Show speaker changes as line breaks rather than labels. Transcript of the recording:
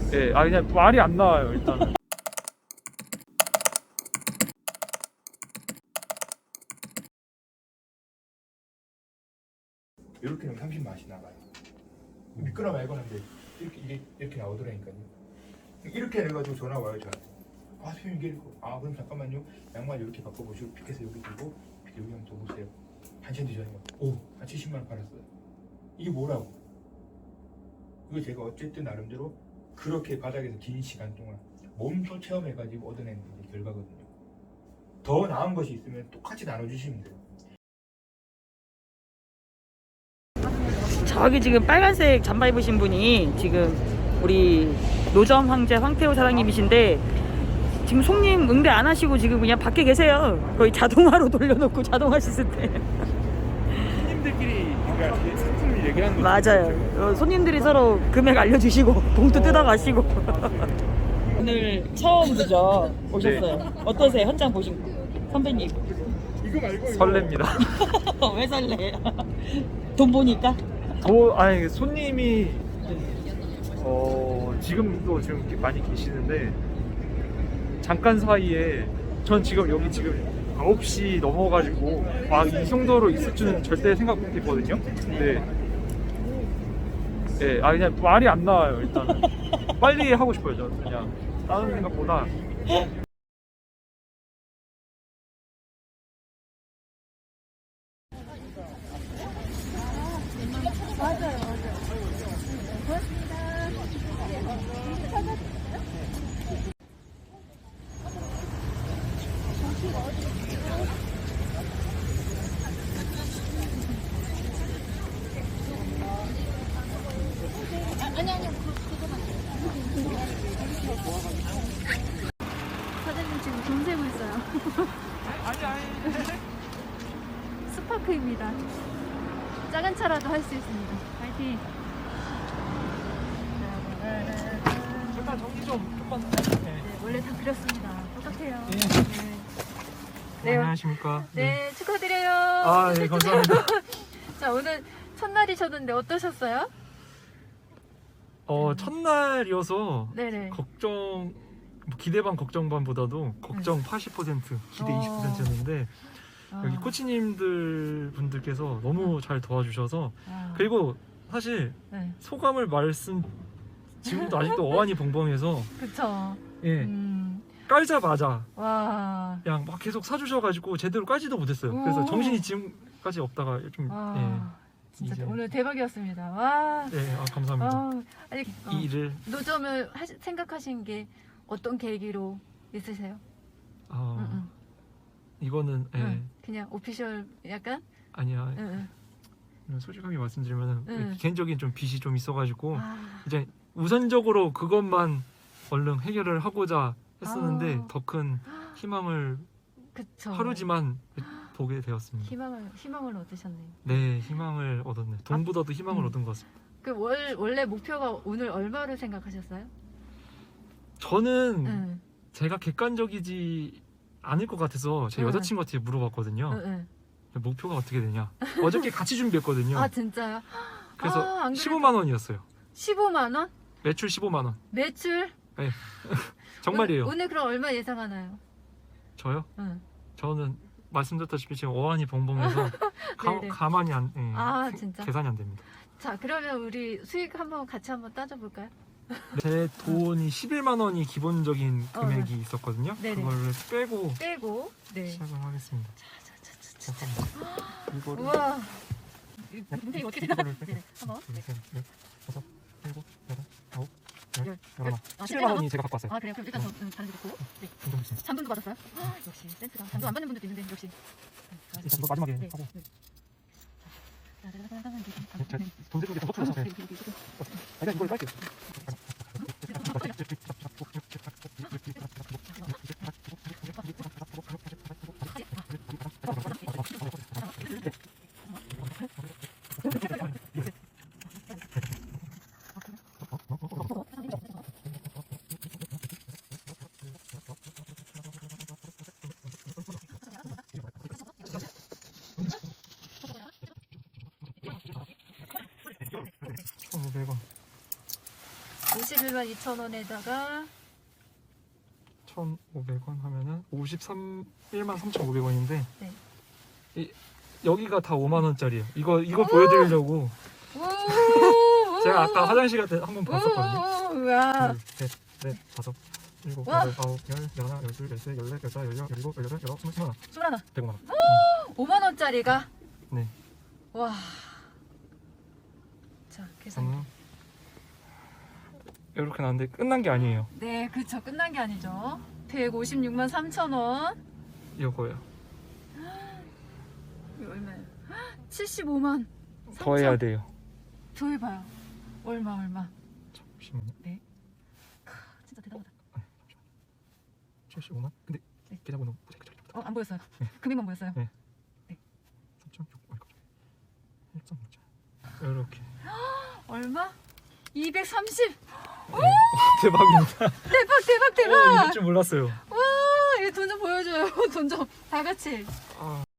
예, 그냥 말이 안 나와요 일단은.
이렇게 하면 30 맛이 나가요. 미끄러 말고는 이렇게 나오더라니까요. 이렇게 해가지고 전화 와요 저한테. 아 선생님 이게 그럼 잠깐만요. 양말 이렇게 바꿔보시고 픽해서 여기 두고 여기 한번 더 보세요. 한 시간 뒤전에 한 70만 원 팔았어요. 이게 뭐라고? 이거 제가 어쨌든 나름대로 그렇게 바닥에서 긴 시간 동안 몸소 체험해가지고 얻어낸 결과거든요. 더 나은 것이 있으면 똑같이 나눠주시면 돼요.
저기 지금 빨간색 잠바 입으신 분이 지금 우리 노점 황제 황태호 사장님이신데 지금 손님 응대 안 하시고 지금 그냥 밖에 계세요. 거의 자동화로 돌려놓고 자동화 시스템.
손님들끼리 그러니까 상품을 얘기하는 거죠.
맞아요. 손님들이 서로 금액 알려주시고 봉투 뜯어가시고. 오늘 처음이죠? 오셨어요.
네.
어떠세요? 현장 보신 거? 선배님.
이거 말고 설렙니다.
왜 설레? 돈 보니까?
아니 손님이 지금도 지금 많이 계시는데 잠깐 사이에 전 지금 여기 지금 9시 넘어가지고 이 정도로 있을 줄은 절대 생각 못했거든요. 근데 그냥 말이 안 나와요 일단은. 빨리 하고 싶어요 저는 그냥 다른 생각보다.
사장님 지금 돈 세고 있어요.
아니
스파크입니다. 작은 차라도 할 수 있습니다. 파이팅.
잠깐 정리 좀만.
네, 원래 다 그렸습니다. 똑같아요.
네. 안녕하십니까.
네, 축하드려요.
네, 감사합니다.
자, 오늘 첫날이셨는데 어떠셨어요?
첫날이어서
네네.
걱정 기대 반 걱정 반보다도 걱정 80% 기대 20%였는데 여기 코치님들 분들께서 너무 잘 도와주셔서 그리고 사실
네.
소감을 지금도 아직도 어안이 벙벙해서
그쵸.
깔자마자
와.
그냥 막 계속 사주셔가지고 제대로 깔지도 못했어요. 그래서 정신이 지금까지 없다가 좀
진짜
이제.
오늘 대박이었습니다. 와.
감사합니다.
아니,
이 일을
노점을 생각하신 게 어떤 계기로 있으세요?
이거는
그냥 오피셜 약간?
아니야. 솔직하게 말씀드리면 개인적인 좀 빚이 좀 있어가지고 이제 우선적으로 그것만 얼른 해결을 하고자 했었는데 더 큰 희망을
그쵸.
하루지만 보게 되었습니다.
희망을 얻으셨네요.
네, 희망을 얻었네. 돈보다도 희망을 얻은 것 같습니다.
그 원래 목표가 오늘 얼마를 생각하셨어요?
저는 제가 객관적이지 않을 것 같아서 제 여자친구한테 물어봤거든요. 목표가 어떻게 되냐. 어저께 같이 준비했거든요.
아 진짜요?
그래서
안
15만 원이었어요.
15만 원?
매출 15만 원.
매출?
네. 정말이에요.
오늘 그럼 얼마 예상하나요?
저요?
응.
저는 말씀드렸다시피 지금 어안이 벙벙해서 가만히
진짜?
계산이 안 됩니다.
자 그러면 우리 수익 같이 한번 따져볼까요?
제 돈이 11만 원이 기본적인 금액이 있었거든요.
네네.
그거를
빼고 네.
시작을 하겠습니다. 이거를
우와. 문제가 어떻게 되나?
이거를
네. 한번.
둘, 셋, 넷, 다섯, 일곱, 여덟, 아홉,
열,
열하나.
17만
17만 원이 제가 갖고 왔어요.
아 그래요? 그럼 일단 다른 데 놓고. 네. 잔돈도 받았어요? 역시 센스가. 잔돈 안 받는 분들도 있는데 역시.
일단 이거 마지막에
네.
하고.
네.
돈 세는 게더 서툴러서. 그냥 이걸 빨게요.
51만 2천원에다가
1,500원 하면은 1만 3,500원인데
네.
여기가 다 5만 원짜리예요. 이거 보여드리려고 제가 아까 화장실 갈 때 한번 봤었거든요.
우와.
둘, 셋, 넷, 다섯, 일곱,
와.
여덟, 아홉, 열, 열하나, 열둘, 열셋, 열넷, 열다섯, 열여섯, 열일곱, 열여덟, 열아홉, 21만
21원.
105만 원.
5만원짜리가
네.
와. 자 계산.
저는 이렇게 나왔는데 끝난 게 아니에요.
네 그쵸 끝난 게 아니죠. 156만 3천원.
이거예요.
이거 얼마예요? 75만
더 해야 돼요.
더 해봐요. 얼마
잠시만요.
진짜 대단하다.
75만? 근데
네.
계좌번호 보세요.
안 보였어요.
네.
금액만 보였어요.
네. 3.6 1.3 이렇게
얼마? 230.
대박입니다.
대박.
이럴 줄 몰랐어요.
와, 이거 돈 좀 보여줘요. 돈 좀 다 같이.
아.